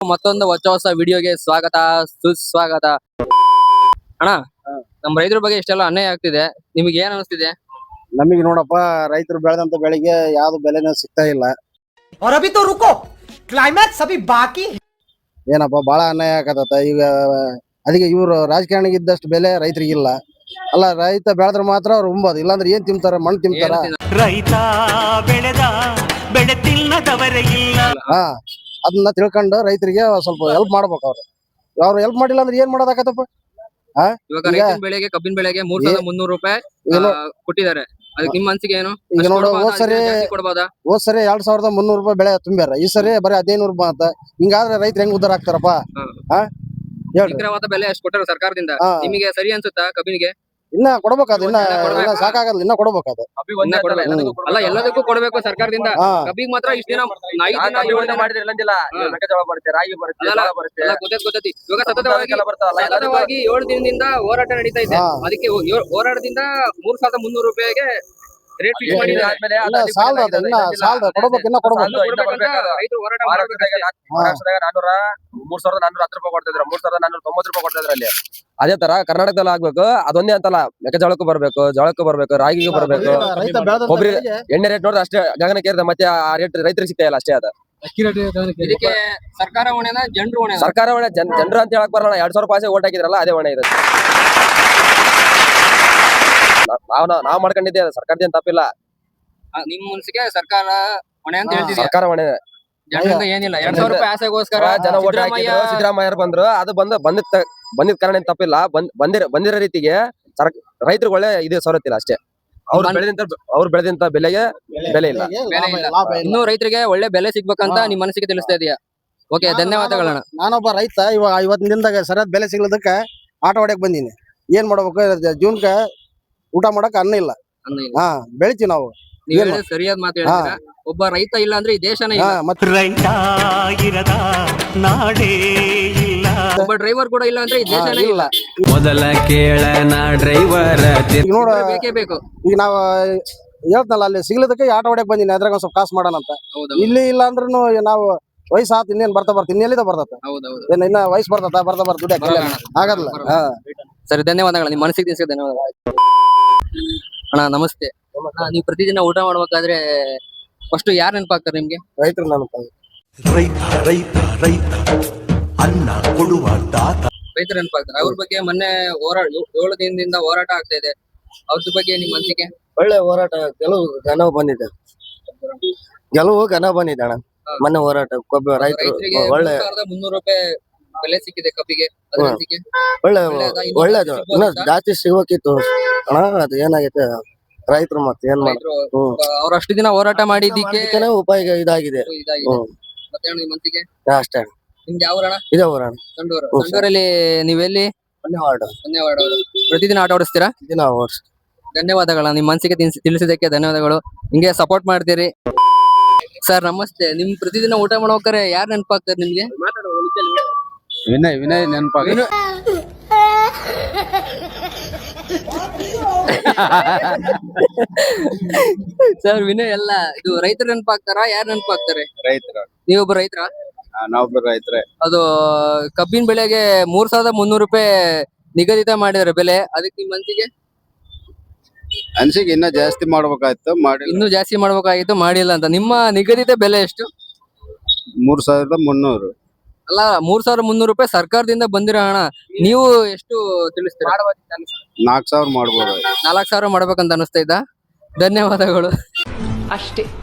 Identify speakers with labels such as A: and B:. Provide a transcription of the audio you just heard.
A: ಮತ್ತೊಂದು ಹೊಸ ವಿಡಿಯೋಗೆ ಸ್ವಾಗತ ಸುಸ್ವಾಗತ. ಅಣ್ಣ, ನಮ್ ರೈತರ ಬಗ್ಗೆ ಇಷ್ಟೆಲ್ಲ ಅನ್ಯಾಯ ಆಗ್ತಿದೆ, ನಿಮ್ಗೆ ಏನ್ ಅನಿಸ್ತಿದೆ?
B: ನಮಗೆ ನೋಡಪ್ಪ, ರೈತರು ಬೆಳೆದಂತ ಬೆಳೆಗೆ ಯಾವ್ದು ಬೆಲೆನೂ ಸಿಗ್ತಾ ಇಲ್ಲ.
C: और अभी तो रुको, क्लाइमैक्स अभी बाकी.
B: ಏನಪ್ಪ ಬಹಳ ಅನ್ಯಾಯ ಆಗತ್ತ ಈಗ. ಅದಕ್ಕೆ ಇವ್ರು ರಾಜಕಾರಣಿಗೆ ಇದ್ದಷ್ಟು ಬೆಲೆ ರೈತರಿಗಿಲ್ಲ. ಅಲ್ಲ, ರೈತ ಬೆಳೆದ್ರೆ ಮಾತ್ರ ಅವ್ರು ಉಂಬೋದು, ಇಲ್ಲಾಂದ್ರೆ ಏನ್ ತಿಂತಾರ? ಮಣ್ಣು ತಿಂತಾರ.
D: ರೈತ ಬೆಳೆದ ಬೆಳೆ ತಿನ್ನದವರೇ ಇಲ್ಲ.
B: ಅದನ್ನ ತಿಳ್ಕೊಂಡು ರೈತರಿಗೆ ಸ್ವಲ್ಪ ಹೆಲ್ಪ್ ಮಾಡ್ಬೇಕು. ಅವ್ರು ಹೆಲ್ಪ್ ಮಾಡಿಲ್ಲ ಅಂದ್ರೆ ಏನ್ ಮಾಡೋದಾಗತ್ತಪ್ಪ?
A: ಇವಾಗ ರೈತನ ಬೆಳೆಗೆ, ಕಬ್ಬಿನ ಬೆಳೆಗೆ 3,300 ರೂಪಾಯಿ ಕೊಟ್ಟಿದ್ದಾರೆ. ಅದಕ್ಕೆ ನಿಮ್ಮ ಮನಸ್ಸಿಗೆ ಏನು?
B: ಈಗ ನೋಡು, ಹೋದ್ ಸರಿ 2,300 ರೂಪಾಯಿ ಬೆಳೆ ತುಂಬ್ಯಾರ, ಈ ಸರಿ ಬರೀ 1,500 ರೂಪಾಯಿ ಅಂತ. ಹಿಂಗಾದ್ರೆ ರೈತರು ಹೆಂಗ್ ಉದ್ದಾರ ಆಗ್ತಾರಪ್ಪ?
A: ನಿಖರವಾದ ಬೆಲೆ ಅಷ್ಟು ಕೊಟ್ಟರು ಸರ್ಕಾರದಿಂದ. ನಿಮಗೆ ಸರಿ ಅನ್ಸುತ್ತಾ ಕಬ್ಬಿನಿಗೆ?
B: ಇನ್ನ ಕೊಡ್ಬೇಕಾದ, ಇನ್ನ ಸಾಕಾಗಲ್ಲ, ಇನ್ನ ಕೊಡ್ಬೇಕಾದ.
A: ಅಲ್ಲ, ಎಲ್ಲದಕ್ಕೂ ಕೊಡ್ಬೇಕು ಸರ್ಕಾರದಿಂದ. ಕಬ್ಬಿಗೆ ಮಾತ್ರ ಇಷ್ಟ ದಿನ ಗೊತ್ತೈತಿ. ಇವಾಗ ಸತತವಾಗಿ 7 ದಿನದಿಂದ ಹೋರಾಟ ನಡೀತಾ ಇದೆ. ಅದಕ್ಕೆ ಹೋರಾಟದಿಂದ 3,300 ರೂಪಾಯಿಗೆ ರೇಟ್ ಫಿಕ್ಸ್ ಮಾಡಿದ್ದಾರೆ. ರೈತರು ಹೋರಾಟ ಮಾಡಬೇಕು.
E: 3,410 ರೂಪಾಯಿ ಕೊಡ್ತಿದ್ರು, 3,490 ರೂಪಾಯಿ ಕೊಡ್ತಿದ್ರು ಅಲ್ಲಿ. ಅದೇ ತರ ಕರ್ನಾಟಕದಲ್ಲಿ ಆಗ್ಬೇಕು. ಅದೊಂದೇ ಅಂತಲ್ಲ, ಮೆಕ್ಕೆಜೋಳಕ್ಕೂ ಬರ್ಬೇಕು, ಜೋಳಕ್ಕೂ ಬರ್ಬೇಕು, ರಾಗಿಗೂ ಬರ್ಬೇಕು. ಒಬ್ಬರಿಗೆ ಎಣ್ಣೆ ರೇಟ್ ನೋಡಿದ್ರೆ ಅಷ್ಟೇ ಗಗನಕ್ಕೆ, ಮತ್ತೆ ಆ ರೇಟ್ ರೈತರಿಗೆ ಸಿಗ್ತಾ ಇಲ್ಲ ಅಷ್ಟೇ. ಅದ
A: ಇದಕ್ಕೆ ಸರ್ಕಾರ ಹೊಣೆನ ಜನರು ಹೊಣೆ?
E: ಸರ್ಕಾರ ಹೊಣೆ. ಜನರು ಅಂತ ಹೇಳಕ್ ಬರೋಣ. 2,000 ರೂಪಾಯಿ ಓಟ್ ಹಾಕಿದ್ರಲ್ಲ, ಅದೇ ಹೊಣೆ ಇದೆ. ನಾವ್ ಮಾಡ್ಕೊಂಡಿದ್ದೆ, ಸರ್ಕಾರದಿಂದ ತಪ್ಪಿಲ್ಲ.
A: ನಿಮ್ ಮನ್ಸಿಗೆ ಸರ್ಕಾರ ಹೊಣೆ ಅಂತ ಹೇಳ್ತಿದ್ಯಾ?
E: ಸರ್ಕಾರ ಹೊಣೆ,
A: ಜನರಿಂದ ಏನಿಲ್ಲ. 2,000 ರೂಪಾಯಿ ಆಸೆಗೋಸ್ಕರ
E: ಜನ ಓಟ್ ಹಾಕಿದ್ರು, ಸಿದ್ದರಾಮಯ್ಯ ಬಂದ್ರು. ಅದು ಬಂದಿದ್ ಕಾರಣ ಏನ್ ತಪ್ಪಿಲ್ಲ. ಬಂದಿರೋ ರೀತಿಗೆ ರೈತರಿಗೆ ಒಳ್ಳೆ ಇದು ಸವಲತ್ತಿಲ್ಲ ಅಷ್ಟೇ. ಅವ್ರು ಬೆಳೆದಂತ ಬೆಲೆಗೆ ಬೆಲೆ ಇಲ್ಲ.
A: ಇನ್ನು ರೈತರಿಗೆ ಒಳ್ಳೆ ಬೆಲೆ ಸಿಗ್ಬೇಕಂತ ನಿಮ್ ಮನಸ್ಸಿಗೆ ತಿಳಿಸ್ತಾ ಇದೆಯಾ? ಓಕೆ, ಧನ್ಯವಾದಗಳಣ್ಣ.
B: ನಾನೊಬ್ಬ ರೈತ. ಇವತ್ತಿನ ದಿನದಾಗ ಸರಿಯಾದ ಬೆಲೆ ಸಿಗ್ಲದಕ್ಕ ಆಟ ಹೊಡ್ಯಕ್ ಬಂದೀನಿ. ಏನ್ ಮಾಡ್ಬೇಕು? ಜೂನ್ಕ ಊಟ ಮಾಡಕ್ ಅನ್ನ ಇಲ್ಲ. ಬೆಳಿತೀವಿ ನಾವು.
A: ಸರಿಯಾದ ಮಾತು ಹೇಳ್ತೀರಾ. ಒಬ್ಬ ರೈತ ಇಲ್ಲ ಅಂದ್ರೆ ಈ ದೇಶನೇ ಇಲ್ಲ.
D: ರೈತ ಇರದ ನಾಡೇ ಇಲ್ಲ.
A: ಒಬ್ಬ ಡ್ರೈವರ್ ಕೂಡ ಇಲ್ಲ ಅಂದ್ರೆ ಈ ದೇಶನೇ ಇಲ್ಲ.
D: ಮೊದಲ ಕೇಳನ ಡ್ರೈವರ್
B: ನೋಡ,
A: ಬೇಕೇ ಬೇಕು.
B: ಈಗ ನಾವ್ ಹೇಳ್ತನಲ್ಲ, ಅಲ್ಲಿ ಸಿಗ್ಲದಕ್ಕೆ ಆಟ ಹೊಡ್ಯಕ್ ಬಂದೀನಿ. ಅದ್ರಾಗ ಒಂದ್ ಸ್ವಲ್ಪ ಕಾಸು ಮಾಡೋಣ ಅಂತ. ಇಲ್ಲಿ ಇಲ್ಲ ಅಂದ್ರೂ ನಾವು ವಯಸ್ಸು ಆತ್, ಇನ್ನೇನ್ ಬರ್ತಾ ಇನ್ನೆಲ್ಲಿದ ಬರ್ತತ? ಇನ್ನ ವಯಸ್ಸು ಬರ್ತಾ ದುಡ್ಡು ಆಗಲ್ಲ.
A: ಸರಿ, ಧನ್ಯವಾದಗಳು. ನಿಮ್ ಮನಸ್ಸಿಗೆ ತಿನ್ಸಿದ ಧನ್ಯವಾದಗಳು. ಅಣ್ಣ ನಮಸ್ತೆ. ನೀವು ಪ್ರತಿದಿನ ಊಟ ಮಾಡ್ಬೇಕಾದ್ರೆ ಫಸ್ಟ್ ಯಾರು ನೆನಪಾಗ್ತಾರೆ ನಿಮ್ಗೆ?
B: ರೈತರು ನೆನಪ.
D: ರೈತ ಅನ್ನ ಕೊಡುವ ದಾತ.
A: ರೈತರು ನೆನಪಾಗ್ತಾರೆ. ಅವ್ರ ಬಗ್ಗೆ ಮೊನ್ನೆ 7 ದಿನದಿಂದ ಹೋರಾಟ ಆಗ್ತಾ ಇದೆ. ಅವ್ರ ಬಗ್ಗೆ ನಿಮ್ ಮನಸ್ಸಿಗೆ?
B: ಒಳ್ಳೆ ಹೋರಾಟ. ಗೆಲುವು ಘನ ಬಂದಿದೆ ಅಣ್ಣ. ಮೊನ್ನೆ ಹೋರಾಟ
A: ರೈತರಿಗೆ
B: ಒಳ್ಳೆ
A: 3,300 ರೂಪಾಯಿ ಬೆಲೆ ಸಿಕ್ಕಿದೆ ಕಬ್ಬಿಗೆ.
B: ಒಳ್ಳೇದು. ಇನ್ನ ಜಾಸ್ತಿ ಸಿಗ್ಬೇಕಿತ್ತು ಅಣ್ಣ. ಅದು ಏನಾಗೈತೆ, ರೈತರು ಮತ್ತೆ ಏನ್ ಮಾಡಿದ್ರು?
A: ಅವ್ರ ಅಷ್ಟು ದಿನ ಹೋರಾಟ ಮಾಡಿದ್ದಕ್ಕೆ
B: ಉಪಾಯ ಇದಾಗಿದೆ.
A: ಮತ್ತೆ ನಿಮ್ ಮನಸ್ಸಿಗೆ
B: ಅಷ್ಟೇ.
A: ನಿಮ್ಗೆ ಯಾವ ಊರಣ್ಣ?
B: ಇದೇ ಊರಣ್ಣ.
A: ಸಂಡೂರಲ್ಲಿ. ನೀವೆಲ್ಲಿ? ಪ್ರತಿದಿನ ಆಟ ಓಡಿಸ್ತೀರಾ? ಧನ್ಯವಾದಗಳ. ನಿಮ್ ಮನಸ್ಸಿಗೆ ತಿಳಿಸಿದಕ್ಕೆ ಧನ್ಯವಾದಗಳು. ಹಿಂಗೆ ಸಪೋರ್ಟ್ ಮಾಡ್ತೀರಿ. ಸರ್ ನಮಸ್ತೆ. ನಿಮ್ ಪ್ರತಿದಿನ ಊಟ ಮಾಡ್ಬೇಕಾರೆ ಯಾರು ನೆನಪಾಗ್ತಾರೆ ನಿಮ್ಗೆ?
B: ವಿನಯ್ ನೆನಪಾಗ.
A: ಸರ್ ವಿನಯ್ ಅಲ್ಲ, ಇದು ರೈತರು ನೆನಪಾಗ್ತಾರಾ? ಯಾರು ನೆನಪಾಗ್ತಾರೆ?
B: ರೈತರು.
A: ನೀವೊಬ್ಬ ರೈತರ?
B: ನಾವೊಬ್ಬ ರೈತರೇ.
A: ಅದು ಕಬ್ಬಿನ ಬೆಳೆಗೆ 3,300 ರೂಪಾಯಿ ನಿಗದಿತ ಮಾಡಿದಾರೆ ಬೆಲೆ. ಅದಕ್ಕೆ ನಿಮ್ ಮನಸ್ಸಿಗೆ?
B: ಅನ್ಸಿಗೆ ಇನ್ನ ಜಾಸ್ತಿ ಮಾಡ್ಬೇಕಾಯ್ತು,
A: ಇನ್ನೂ ಜಾಸ್ತಿ ಮಾಡ್ಬೇಕಾಗಿತ್ತು, ಮಾಡಿಲ್ಲ ಅಂತ. ನಿಮ್ಮ ನಿಗದಿತ ಬೆಲೆ ಎಷ್ಟು?
B: 3,300.
A: ಅಲ್ಲ, 3,300 ರೂಪಾಯಿ ಸರ್ಕಾರದಿಂದ ಬಂದಿರೋ ಹಣ. ನೀವು ಎಷ್ಟು ತಿಳಿಸ್ತೀರಾ?
B: 4,000 ಮಾಡ್ಬೋದು.
A: 4,000 ಮಾಡ್ಬೇಕಂತ ಅನಿಸ್ತಾ ಇದ್ದ. ಧನ್ಯವಾದಗಳು.
C: ಅಷ್ಟೇ.